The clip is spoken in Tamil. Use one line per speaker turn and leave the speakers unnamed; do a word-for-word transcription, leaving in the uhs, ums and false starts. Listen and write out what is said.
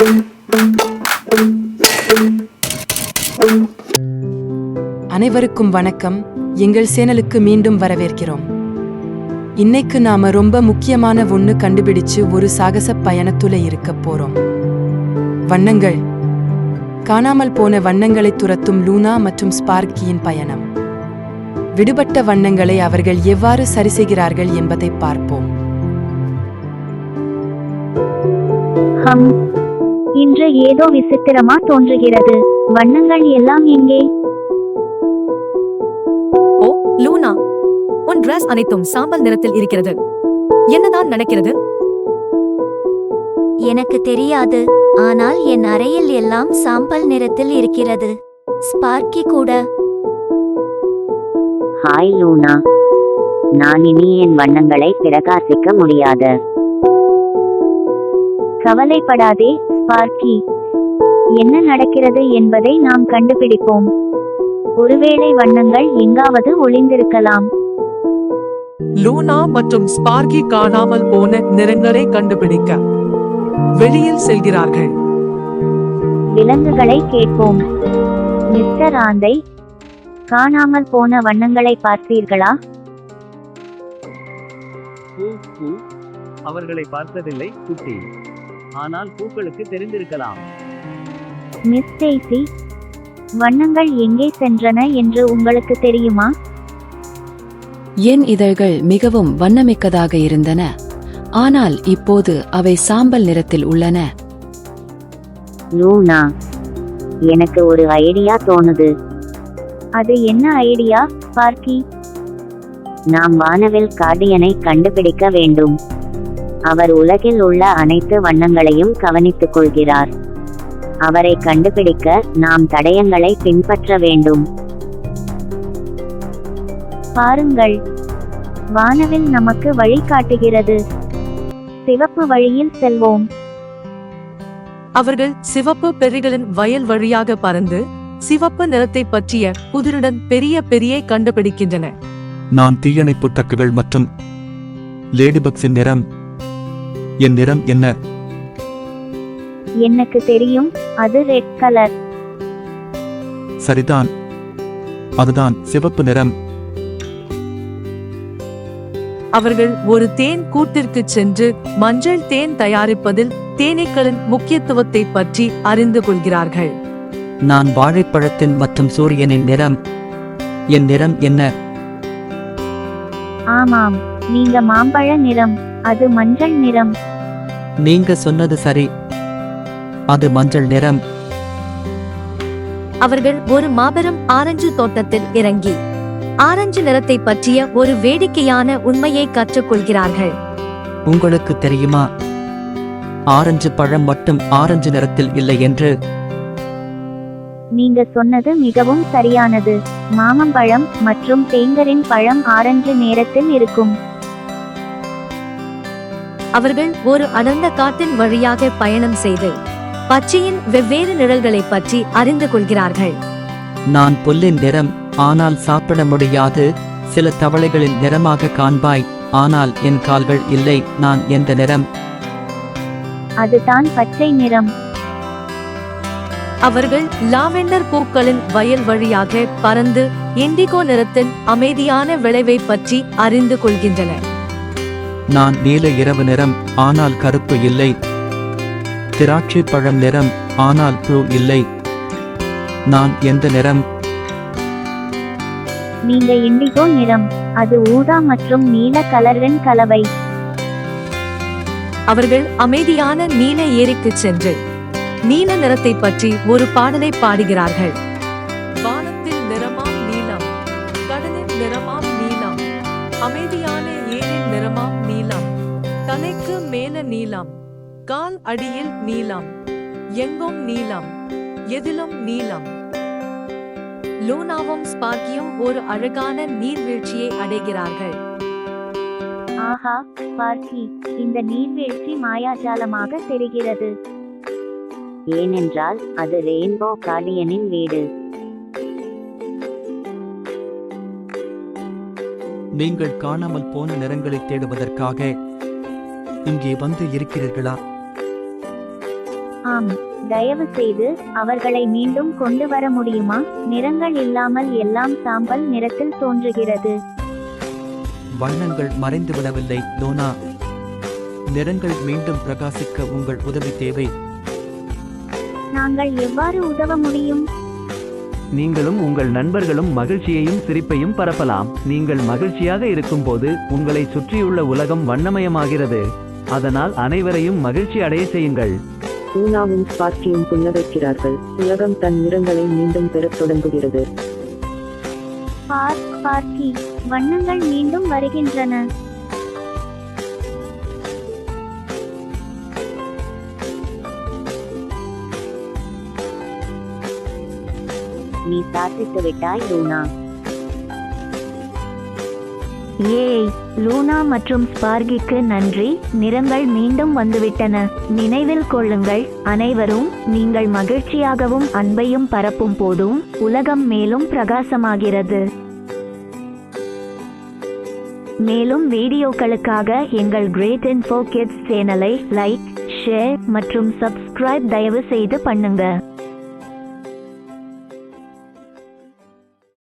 அனைவருக்கும் வணக்கம். எங்கள் சேனலுக்கு மீண்டும் வரவேற்கிறோம். இன்னைக்கு நாம ரொம்ப முக்கியமான ஒண்ணு கண்டுபிடிச்சு ஒரு சாகச பயணத்துல இருக்க போறோம். வண்ணங்கள். காணாமல் போன வண்ணங்களை துரத்தும் லூனா மற்றும் ஸ்பார்க்கியின் பயணம். விடுபட்ட வண்ணங்களை அவர்கள் எவ்வாறு சரிசெய்கிறார்கள் என்பதை பார்ப்போம்.
ஹம், இன்று ஏதோ விசித்திரமா தோன்றுகிறது. வண்ணங்கள் எல்லாம் எங்கே?
ஓ லூனா, உன் டிரஸ் அனைத்தும் சாம்பல் நிறத்தில் இருக்கிறது. என்னதான் நடக்கிறது?
எனக்கு தெரியாது, ஆனால் என் அறையில் எல்லாம் சாம்பல் நிறத்தில் இருக்கிறது. ஸ்பார்க்கி கூட.
ஹாய் லூனா, நான் இனி என் வண்ணங்களை பிரகாசிக்க முடியாது.
கவலைப்படாதே ஸ்பார்க்கி, என்ன நடக்கிறது என்பதை நாம் கண்டுபிடிப்போம். ஒருவேளை வண்ணங்கள் எங்காவது ஒளிந்திருக்கலாம்.
லூனா மற்றும் ஸ்பார்க்கி காணாமல் போன நிறங்களை கண்டுபிடிக்க வெளியில் செல்கிறார்கள்.
விலங்குகளை கேட்போம். மிஸ்டர் ஆந்தை, காணாமல் போன வண்ணங்களை பார்த்தீர்களா?
அவர்களை பார்த்ததில்லை குட்டி, ஆனால் பூக்களுக்கு தெரிந்திருக்கலாம்.
மிஸ் டெய்சி, வண்ணங்கள் எங்கே சென்றன என்று உங்களுக்கு தெரியுமா?
என் இதழ்கள் மிகவும் வண்ணமிக்கதாக இருந்தன, ஆனால் இப்போது அவை சாம்பல் நிறத்தில் உள்ளன.
லூனா, எனக்கு ஒரு ஐடியா தோணுது.
அது என்ன ஐடியா ஸ்பார்க்கி?
நாம் வானவில் கார்டியனை கண்டுபிடிக்க வேண்டும். அவர் உலகில் உள்ள அனைத்து வண்ணங்களையும் கவனித்துக் கொள்கிறார். அவரை கண்டுபிடிக்க நாம் தடயங்களை பின்பற்ற வேண்டும்.
பாருங்கள், வானவில் நமக்கு வழி காட்டுகிறது. சிவப்பு வழியில் செல்வோம்.
அவர்கள் சிவப்பு பெரிகளின் வயல் வழியாக பறந்து சிவப்பு நிறத்தை பற்றிய புதிருடன் பெரிய பெரிய கண்டுபிடிக்கின்றன.
நான் தீயணைப்பு டக்குகள் மற்றும் லேடிபக்ஸின் நிறம். என் நிறம் என்ன?
எனக்கு தெரியும், அது ரெட் கலர்.
சரிதான், அதுதான் சிவப்பு நிறம்.
அவர்கள் ஒரு தேன் கூட்டிற்கு சென்று மஞ்சள் தேன் தயாரிப்பதில் தேனீக்களின் முக்கியத்துவத்தை பற்றி அறிந்து கொள்கிறார்கள்.
நான் வாழைப்பழத்தின் மற்றும் சூரியனின் நிறம். என் நிறம் என்ன?
ஆமாம், நீங்க மாம்பழ நிறம், அது மஞ்சள் நிறம்.
நீங்க சொன்னது சரி, அது மஞ்சள் நிறம்.
அவர்கள் ஒரு மாபெரும் ஆரஞ்சு தோட்டத்தில் இறங்கி ஆரஞ்சு நிறத்தை பற்றிய ஒரு வேடிக்கையான உண்மையை கற்றுக்கொள்கிறார்கள்.
உங்களுக்கு தெரியுமா, ஆரஞ்சு பழம் மட்டும் ஆரஞ்சு நிறத்தில் இல்லை என்று?
நீங்க சொன்னது மிகவும் சரியானது. மாமம்பழம் மற்றும் தேங்கரின் பழம் ஆரஞ்சு நேரத்தில் இருக்கும்.
அவர்கள் ஒரு அடர்ந்த காட்டின் வழியாக பயணம் செய்து பச்சையின் வெவ்வேறு நிழல்களை பற்றி அறிந்து கொள்கிறார்கள்.
நான் புல்லின் நிறம், ஆனால் சாப்பிட முடியாது. சில தவளைகளின் நிறமாக காண்பாய், ஆனால் என் கால்கள் இல்லை. நான் எந்த நிறம்?
அதுதான் பச்சை நிறம்.
அவர்கள் லாவெண்டர் பூக்களின் வயல் வழியாக பறந்து இண்டிகோ நிறத்தின் அமைதியான விளைவை பற்றி அறிந்து கொள்கின்றனர்.
நான் நீல இரவு நிறம், ஆனால் கருப்பு இல்லை. திராட்சை பழம் நிறம், ஆனால் ப்ளூ இல்லை. நான் எந்த நிறம்?
நீங்க இண்டிகோ நிறம், அது ஊதா மற்றும் நீல கலரின் கலவை.
அவர்கள் அமைதியான நீல ஏரிக்கு சென்று நீல நிறத்தை பற்றி ஒரு பாடலை பாடுகிறார்கள்.
வானத்தில் நிறமாம் நீலம், கடலின் நிறமாம் நீலம், அமைதியான ஏரின் நிறமாம் நீலம், தலைக்கு மேல நீலம், கால் அடியில் நீலம், எங்கும் நீலம், எதிலும் நீலம்.
லூனாவும் ஸ்பார்க்கியும் ஒரு அழகான நீர்வீழ்ச்சியை அடைகிறார்கள்.
ஆஹா ஸ்பார்க்கி, இந்த நீர்வீழ்ச்சி மாயாஜாலமாக தெரிகிறது.
ஏனென்றால் அது ரெயின்போ கார்டியனின் வீடு.
நீங்கள் காணாமல் போன நிறங்களை தேடுவதற்காக இங்கே வந்து இருக்கிறீர்களா?
ஆம், தயவு செய்து அவர்களை மீண்டும் கொண்டு வர முடியுமா? நிறங்கள் இல்லாமல் எல்லாம் சாம்பல் நிறத்தில் தோன்றுகிறது.
வண்ணங்கள் மறைந்துவிடவில்லை லோனா. நிறங்கள் மீண்டும் பிரகாசிக்க உங்கள் உதவி தேவை.
நாங்கள் எவ்வாறு உதவ முடியும்?
நீங்களும் உங்கள் நண்பர்களும் மகிழ்ச்சியையும் சிரிப்பையும் பரப்பலாம். நீங்கள் மகிழ்ச்சியாக இருக்கும்போது உங்களை சுற்றியுள்ள உலகம் வண்ணமயமாகிறது. அதனால் அனைவரையும் மகிழ்ச்சி அடைய செய்யுங்கள்.
லூனாவும் ஸ்பார்க்கியும் புன்னகைக்கிறார்கள். உலகம் தன் நிறங்களை மீண்டும் பெறத் தொடங்குகிறது.
பார், ஸ்பார்க்கி, வண்ணங்கள் மீண்டும் வருகின்றன.
நீ சாதித்து விட்டாய் லூனா.
ஏய், லூனா மற்றும் ஸ்பார்கிக்கு நன்றி. நிறங்கள் மீண்டும் வந்துவிட்டன. நினைவில் கொள்ளுங்கள் அனைவரும், நீங்கள் மகிழ்ச்சியாகவும் அன்பையும் பரப்பும் போதும் உலகம் மேலும் பிரகாசமாகிறது. மேலும் வீடியோக்களுக்காக எங்கள் கிரேட் இன்ஃபோ கிட்ஸ் சேனலை லைக், ஷேர் மற்றும் சப்ஸ்கிரைப் தயவு செய்து பண்ணுங்க.